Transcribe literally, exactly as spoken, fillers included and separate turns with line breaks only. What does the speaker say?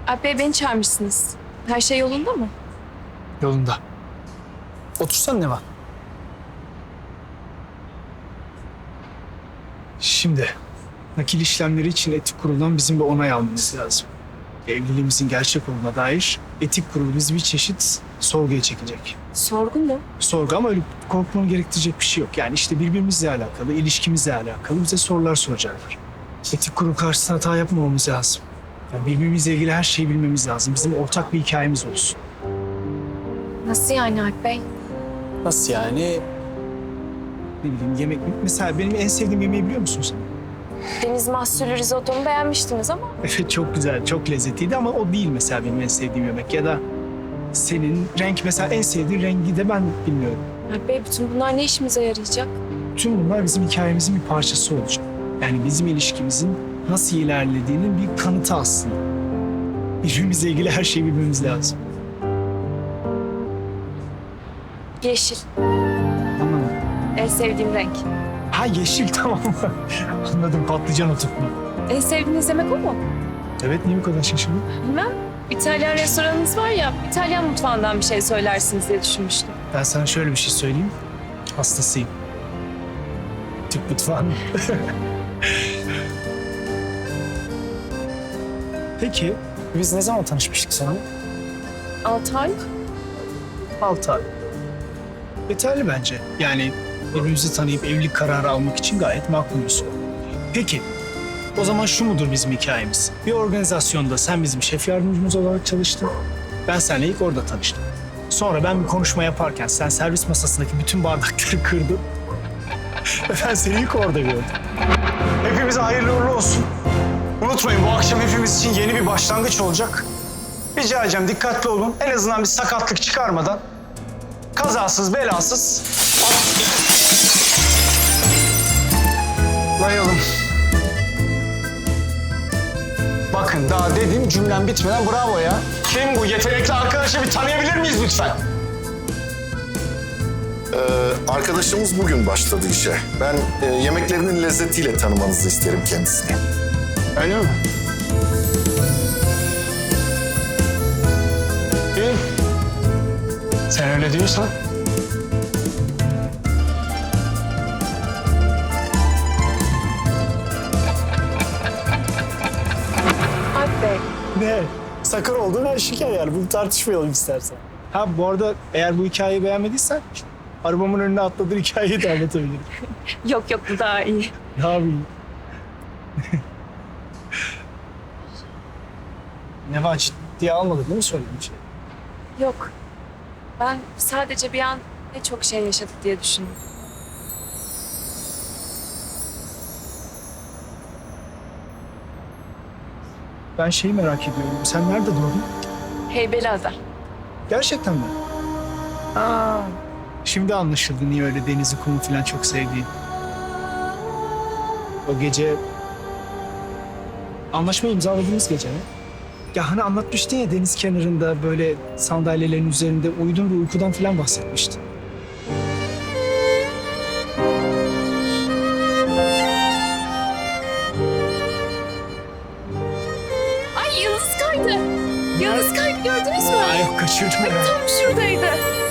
Alp Bey, beni çağırmışsınız. Her şey yolunda mı?
Yolunda. Otursan ne var? Şimdi nakil işlemleri için etik kuruldan bizim bir onay almamız lazım. Evliliğimizin gerçek olduğuna dair etik kurulu bizi bir çeşit sorguya çekecek.
Sorgu mu?
Sorgu ama öyle korkmanı gerektirecek bir şey yok. Yani işte birbirimizle alakalı, ilişkimizle alakalı bize sorular soracaklar. Etik kurul karşısında hata yapmamamız lazım. Yani birbirimizle ilgili her şeyi bilmemiz lazım. Bizim ortak bir hikayemiz olsun.
Nasıl yani Alp Bey?
Nasıl yani? Ne bileyim yemek... Mesela benim en sevdiğim yemeği biliyor musun sen?
Deniz mahsullü risottomu beğenmiştiniz ama.
Evet çok güzel, çok lezzetliydi ama o değil mesela benim en sevdiğim yemek. Ya da senin renk mesela en sevdiğin rengi de ben bilmiyorum.
Alp Bey, bütün bunlar ne işimize yarayacak?
Tüm bunlar bizim hikayemizin bir parçası olacak. Yani bizim ilişkimizin nasıl ilerlediğinin bir kanıtı aslında. Birbirimizle ilgili her şeyi bilmemiz lazım.
Yeşil.
Tamam.
En sevdiğim renk.
Ha yeşil tamam mı? Anladım, patlıcan oturtma.
En sevdiğiniz yemek o mu?
Evet, niye bu kadar şaşırdın?
Bilmem. İtalyan restoranınız var ya, İtalyan mutfağından bir şey söylersiniz diye düşünmüştüm.
Ben sana şöyle bir şey söyleyeyim. Hastasıyım. Türk mutfağının. Peki, biz ne zaman tanışmıştık seninle?
Altı ay.
Altı ay. Yeterli bence. Yani birbirimizi tanıyıp evlilik kararı almak için gayet makul bir süre. Peki, o zaman şu mudur bizim hikayemiz? Bir organizasyonda sen bizim şef yardımcımız olarak çalıştın. Ben seninle ilk orada tanıştım. Sonra ben bir konuşma yaparken sen servis masasındaki bütün bardakları kırdın. Ve ben seni ilk orada gördüm.
Hepimize hayırlı uğurlu olsun. Unutmayın, bu akşam hepimiz için yeni bir başlangıç olacak. Rica edeceğim, dikkatli olun. En azından bir sakatlık çıkarmadan kazasız belasız atlayalım. Bakın daha dedim, cümlem bitmeden bravo ya. Kim bu yetenekli arkadaşı, bir tanıyabilir miyiz lütfen?
Ee, arkadaşımız bugün başladı işe. Ben e, yemeklerinin lezzetiyle tanımanızı isterim kendisini.
Öyle mi? İyi. Sen öyle diyorsan.
Alp Bey,
Ne? Sakın olduğunu aşikar yani. Bunu tartışmayalım istersen. Ha bu arada eğer bu hikayeyi beğenmediysen arabamın önüne atladığın hikayeyi de anlatabilirim.
yok yok, bu daha iyi.
Ne yapayım? Ne var, ciddiye almadın değil mi söylediğim şey?
Yok. Ben sadece bir an ne çok şey yaşadık diye düşündüm.
Ben şeyi merak ediyorum. Sen nerede doğdun?
Heybeliada.
Gerçekten mi? Aa, şimdi anlaşıldı niye öyle denizi, kumu falan çok sevdiğin. O gece... Anlaşma imzaladığımız gece mi? Ya hani anlatmıştın ya deniz kenarında böyle sandalyelerin üzerinde uyudun ve uykudan falan bahsetmiştin.
Ay, yıldız kaydı. Yıldız kaydı, gördünüz mü?
Ay yok, kaçırdım
Ay,
ya.
tam şuradaydı.